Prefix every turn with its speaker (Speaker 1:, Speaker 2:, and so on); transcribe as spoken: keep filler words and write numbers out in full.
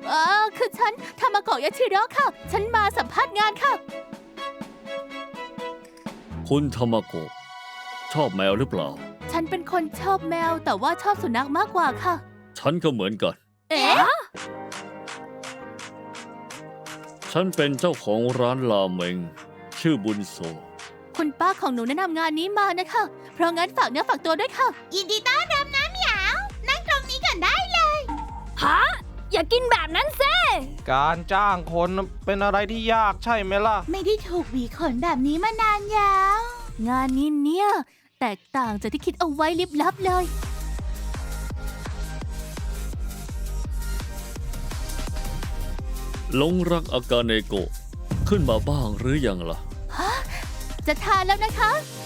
Speaker 1: เออคือฉันทามาโกะยาชิโร่ค่ะ ฉันมาสัมภาษณ์งานค่ะ
Speaker 2: คุณธรรมโกะชอบแมวหรือเปล่า
Speaker 1: ฉันเป็นคนชอบแมวแต่ว่าชอบสุนัขมากกว่าค่ะ
Speaker 2: ฉันก็เหมือนกัน
Speaker 1: เอ๊ะ
Speaker 2: ฉันเป็นเจ้าของร้านราเมงชื่อบุญโซ
Speaker 1: คุณป้าของหนูแนะนำงานนี้มานะคะ เพราะงั้นฝากเนื้อฝากตัวด้วยค่ะ
Speaker 3: ยินดีต้อนรับนะเหมียว นั่งตรงนี้ก่อนได้เลย
Speaker 4: ฮะ อย่ากินแบบนั้นเซ่
Speaker 5: การจ้างคนเป็นอะไรที่ยากใช่ไหมล่ะ
Speaker 3: ไม่ได้ถูกหวีขนแบบนี้มานานยาว
Speaker 1: งานนี้เนี่ยแตกต่างจากที่คิดเอาไว้ลิบลับเลย
Speaker 2: หลงรักอากาเนโกะขึ้นมาบ้างหรือยังล่ะ
Speaker 1: จะทานแล้วนะคะ